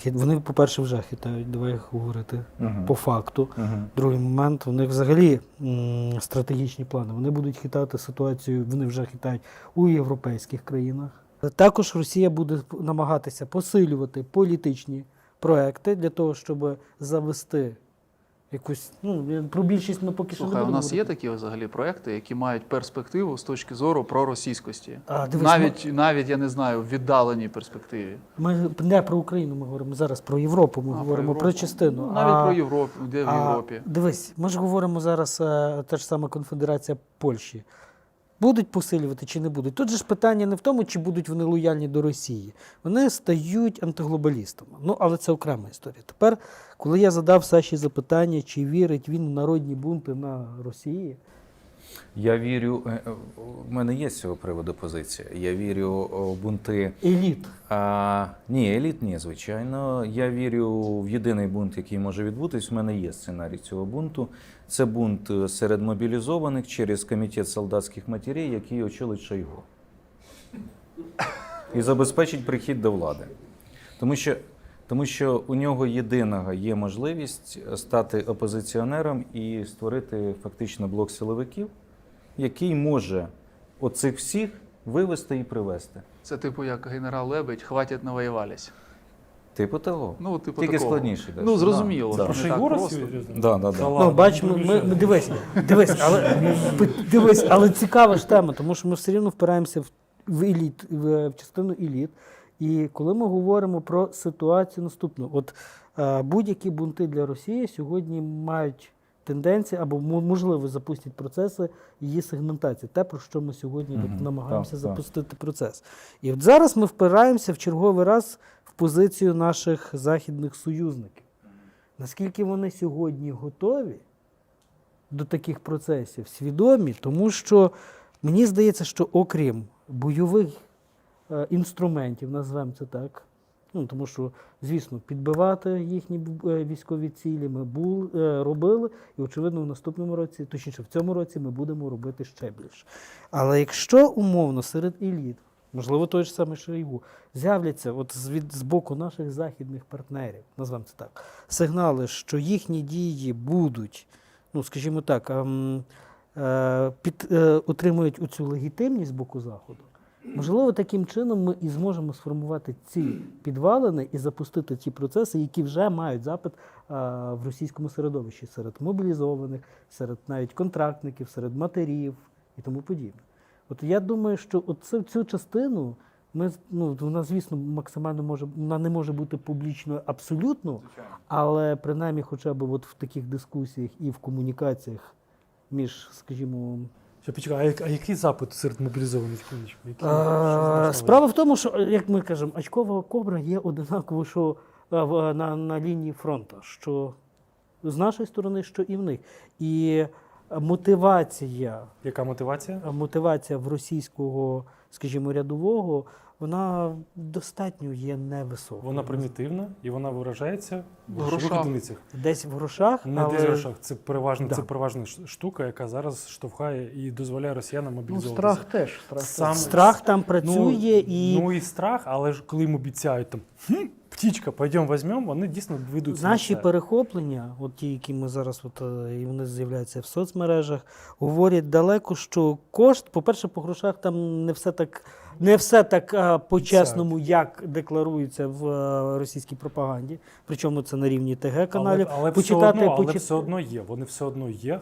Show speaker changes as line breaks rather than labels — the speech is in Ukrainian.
Вони, по-перше, вже хитають, давай говорити по факту. Другий момент, у них взагалі стратегічні плани. Вони будуть хитати ситуацію, вони вже хитають у європейських країнах. Також Росія буде намагатися посилювати політичні проекти для того, щоб завести якусь, про більшість ми поки що не
Слухай, у
будемо
нас є
говорити.
такі взагалі проекти, які мають перспективу з точки зору проросійськості.
Дивись,
Навіть, я не знаю, в віддаленій перспективі.
Ми не про Україну, ми говоримо зараз про Європу, ми говоримо про частину.
Навіть про Європу, де в Європі.
Дивись, ми ж говоримо зараз, та ж сама Конфедерація Польщі. Будуть посилювати чи не будуть? Тут же ж питання не в тому, чи будуть вони лояльні до Росії. Вони стають антиглобалістами. Але це окрема історія. Тепер, коли я задав Саші запитання, чи вірить він у народні бунти на Росії,
Я вірю, в мене є з цього приводу позиція. Я вірю у бунти.
еліт.
Ні, еліт ні, звичайно. Я вірю в єдиний бунт, який може відбутись. У мене є сценарій цього бунту. Це бунт серед мобілізованих через комітет солдатських матерей, який очолить Шойгу. І забезпечить прихід до влади. Тому що у нього єдиного є можливість стати опозиціонером і створити фактично блок силовиків, який може оцих всіх вивести і привести.
Це типу як генерал Лебедь, хватить навоювались.
Типу того.
Типу
Тільки
такого.
складніше.
Зрозуміло.
Да.
Що
Про
не так
Шойгу
просто.
Да.
Бачимо, дивись, але цікава ж тема, тому що ми все рівно впираємося в еліт, в частину еліт. І коли ми говоримо про ситуацію наступну, будь-які бунти для Росії сьогодні мають тенденції або можливо запустять процеси її сегментації. Те, про що ми сьогодні намагаємося запустити процес. І от зараз ми впираємося в черговий раз в позицію наших західних союзників. Наскільки вони сьогодні готові до таких процесів, свідомі, тому що мені здається, що окрім бойових інструментів, назвемо це так, тому що, звісно, підбивати їхні військові цілі ми робили, і, очевидно, в наступному році, точніше, в цьому році ми будемо робити ще більше. Але якщо умовно серед еліт, можливо, той ж самий Шойгу, з'являться з боку наших західних партнерів, назвемо це так, сигнали, що їхні дії будуть, скажімо так, отримують оцю легітимність з боку Заходу, можливо, таким чином ми і зможемо сформувати ці підвалини і запустити ті процеси, які вже мають запит в російському середовищі, серед мобілізованих, серед навіть контрактників, серед матерів і тому подібне. Я думаю, що цю частину вона, звісно, максимально вона не може бути публічною абсолютно, але принаймні хоча б в таких дискусіях і в комунікаціях між, скажімо,
Почекай, а який запит серед мобілізованих?
Справа в тому, що, як ми кажемо, очкова кобра є одинаково, що на лінії фронту, що з нашої сторони, що і в них. І мотивація.
Яка мотивація?
Мотивація в російського, скажімо, рядового, вона достатньо є невисока.
Вона примітивна і вона виражається в
грошах.
одиницях.
Десь в грошах,
Не
але...
десь в грошах. Це переважна,
Да.
це переважна штука, яка зараз штовхає і дозволяє росіянам мобілізовуватися.
страх теж.
Страх
там працює і...
Ну і страх, але ж коли їм обіцяють там птічка, пойдемо візьмемо, вони дійсно ведуться
Наші
на це.
перехоплення, ті, які ми зараз, і вони з'являються в соцмережах, говорять далеко, що кошт, по-перше, по грошах там не все так по-чесному, як декларується в російській пропаганді. Причому це на рівні ТГ-каналів.
Але все одно є. Вони все одно є.